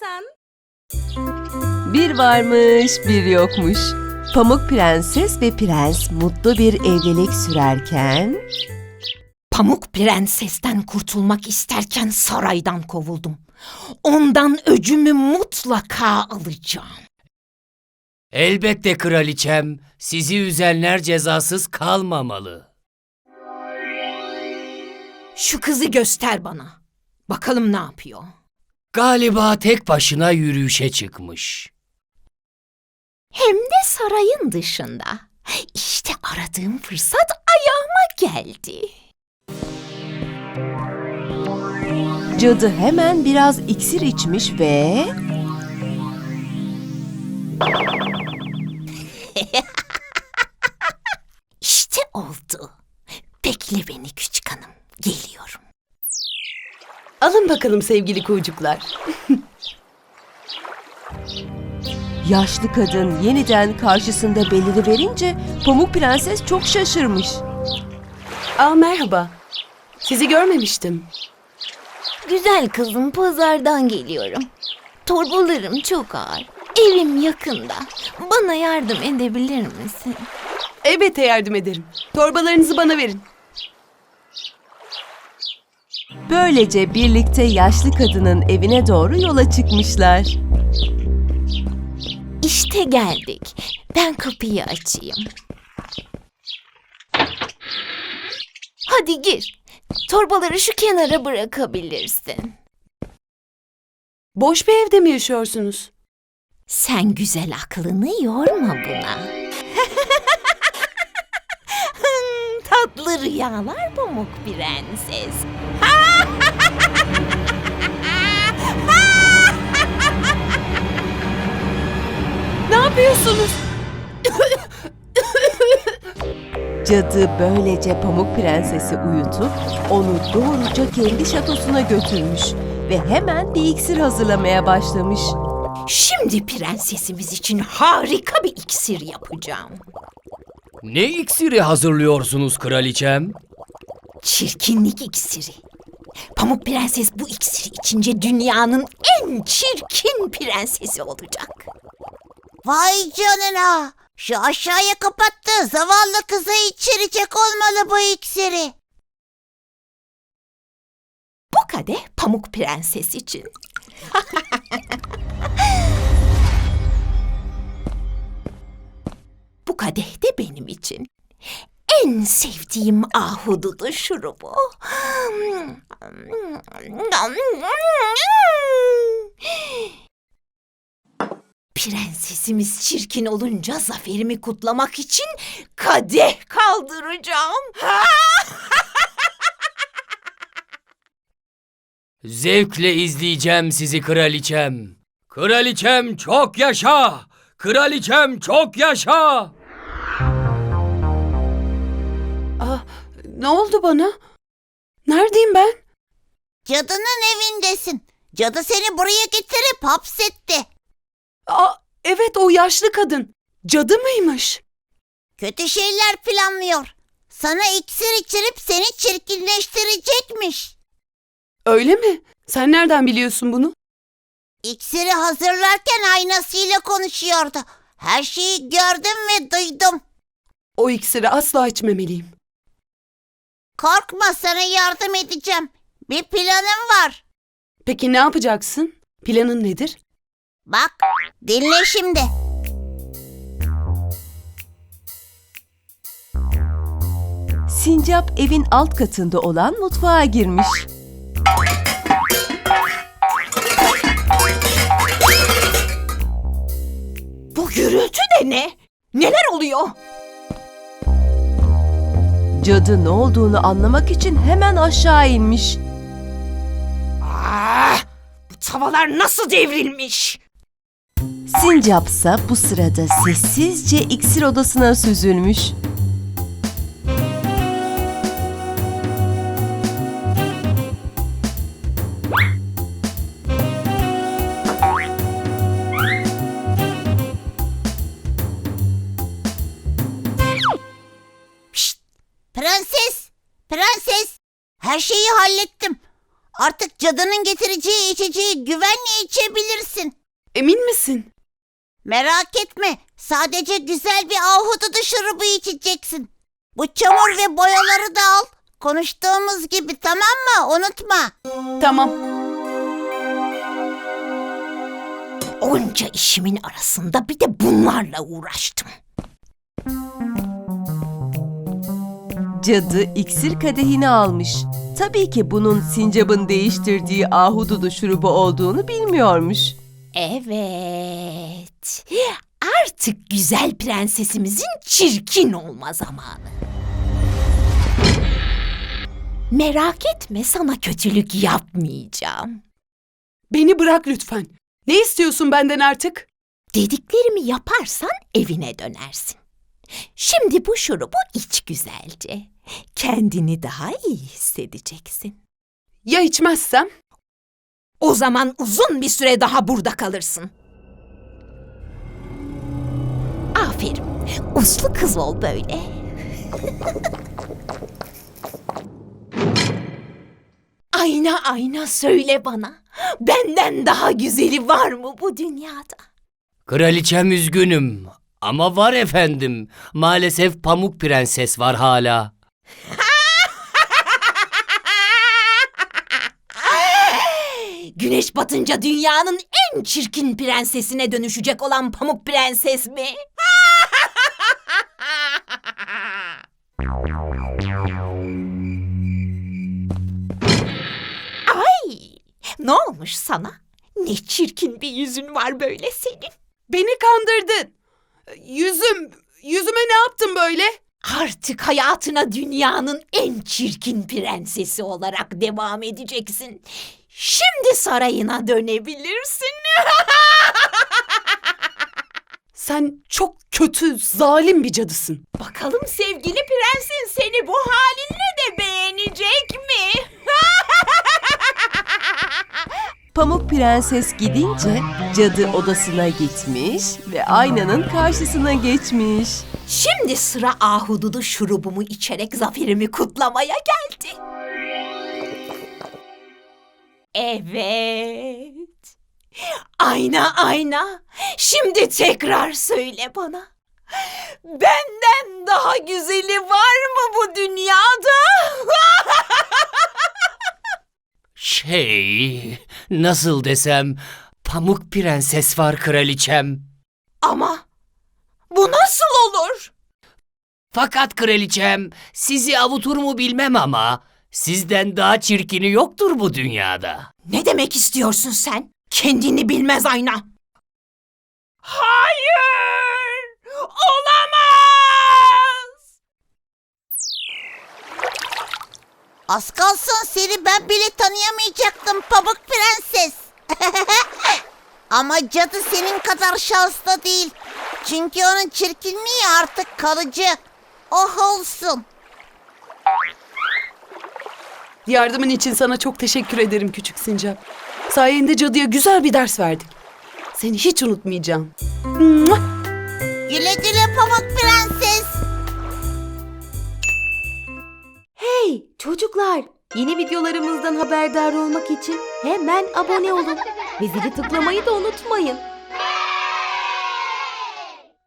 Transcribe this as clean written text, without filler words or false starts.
sen? Bir varmış, bir yokmuş. Pamuk Prenses ve Prens mutlu bir evlilik sürerken... Pamuk Prenses'ten kurtulmak isterken saraydan kovuldum. Ondan öcümü mutlaka alacağım. Elbette kraliçem, sizi üzenler cezasız kalmamalı. Şu kızı göster bana. Bakalım ne yapıyor. Galiba tek başına yürüyüşe çıkmış. Hem de sarayın dışında. İşte aradığım fırsat ayağıma geldi. Cadı hemen biraz iksir içmiş ve... İşte oldu. Bekle beni küçük hanım. Geliyorum. Alın bakalım sevgili kuğucuklar. Yaşlı kadın yeniden karşısında beliriverince Pamuk Prenses çok şaşırmış. Merhaba. Sizi görmemiştim. Güzel kızım, pazardan geliyorum. Torbalarım çok ağır. Evim yakında. Bana yardım edebilir misin? Elbette yardım ederim. Torbalarınızı bana verin. Böylece birlikte yaşlı kadının evine doğru yola çıkmışlar. İşte geldik. Ben kapıyı açayım. Hadi gir. Torbaları şu kenara bırakabilirsin. Boş bir evde mi yaşıyorsunuz? Sen güzel aklını yorma buna. Tatlı rüyalar Pamuk Prenses. Ne yapıyorsunuz? Cadı böylece Pamuk Prenses'i uyutup onu doğruca kendi şatosuna götürmüş ve hemen bir iksir hazırlamaya başlamış. Şimdi prensesimiz için harika bir iksir yapacağım. Ne iksiri hazırlıyorsunuz kraliçem? Çirkinlik iksiri. Pamuk Prenses bu iksiri içince dünyanın en çirkin prensesi olacak. Vay canına! Şu aşağıya kapattığı zavallı kızı içirecek olmalı bu iksiri. Bu kadeh Pamuk Prenses için. Bu kadeh de benim için. En sevdiğim ahududu şurubu. Prensesimiz çirkin olunca zaferimi kutlamak için kadeh kaldıracağım. Zevkle izleyeceğim sizi kraliçem. Kraliçem çok yaşa! Kraliçem çok yaşa! Ne oldu bana? Neredeyim ben? Cadının evindesin. Cadı seni buraya getirip hapsetti. Evet, o yaşlı kadın. Cadı mıymış? Kötü şeyler planlıyor. Sana iksir içirip seni çirkinleştirecekmiş. Öyle mi? Sen nereden biliyorsun bunu? İksiri hazırlarken aynasıyla konuşuyordu. Her şeyi gördüm ve duydum. O iksiri asla içmemeliyim. Korkma, sana yardım edeceğim. Bir planım var. Peki ne yapacaksın? Planın nedir? Bak, dinle şimdi. Sincap evin alt katında olan mutfağa girmiş. Bu gürültü de ne? Neler oluyor? Cadı ne olduğunu anlamak için hemen aşağı inmiş. Bu tavalar nasıl devrilmiş? Sincapsa bu sırada sessizce iksir odasına süzülmüş. Prenses, prenses. Her şeyi hallettim. Artık cadının getireceği içeceği güvenle içebilirsin. Emin misin? Merak etme. Sadece güzel bir ahududu şurubu içeceksin. Bu çamur ve boyaları da al. Konuştuğumuz gibi, tamam mı? Unutma. Tamam. Onca işimin arasında bir de bunlarla uğraştım. Cadı iksir kadehini almış. Tabii ki bunun sincabın değiştirdiği ahududu şurubu olduğunu bilmiyormuş. Evet. Artık güzel prensesimizin çirkin olma zamanı. Merak etme, sana kötülük yapmayacağım. Beni bırak lütfen. Ne istiyorsun benden artık? Dediklerimi yaparsan evine dönersin. Şimdi bu şurubu iç güzelce. Kendini daha iyi hissedeceksin. Ya içmezsem? O zaman uzun bir süre daha burada kalırsın. Aferin. Uslu kız ol böyle. Ayna ayna söyle bana. Benden daha güzeli var mı bu dünyada? Kraliçem üzgünüm ama var efendim. Maalesef Pamuk Prenses var hala. Güneş batınca dünyanın en çirkin prensesine dönüşecek olan Pamuk Prenses mi? Ay! Ne olmuş sana? Ne çirkin bir yüzün var böyle senin. Beni kandırdın. Yüzüme ne yaptın böyle? Artık hayatına dünyanın en çirkin prensesi olarak devam edeceksin. Şimdi sarayına dönebilirsin. Sen çok kötü, zalim bir cadısın. Bakalım sevgili prensin seni bu halinle de beğenecek mi? Pamuk Prenses gidince cadı odasına gitmiş ve aynanın karşısına geçmiş. Şimdi sıra ahududu şurubumu içerek zaferimi kutlamaya geldi. Evet. Ayna ayna. Şimdi tekrar söyle bana. Benden daha güzeli var mı bu dünyada? Nasıl desem, Pamuk Prenses var kraliçem. Ama bu nasıl olur? Fakat kraliçem, sizi avutur mu bilmem ama sizden daha çirkini yoktur bu dünyada. Ne demek istiyorsun sen? Kendini bilmez ayna. Hayır! Olamaz! Az kalsın seni ben bile tanıyamayacaktım Pamuk Prenses. Ama cadı senin kadar şanslı değil. Çünkü onun çirkinliği artık kalıcı. Oh olsun. Yardımın için sana çok teşekkür ederim küçük sincap. Sayende cadıya güzel bir ders verdik. Seni hiç unutmayacağım. Mua! Güle güle Pamuk Prenses. Hey çocuklar! Yeni videolarımızdan haberdar olmak için hemen abone olun. Ve zili tıklamayı da unutmayın.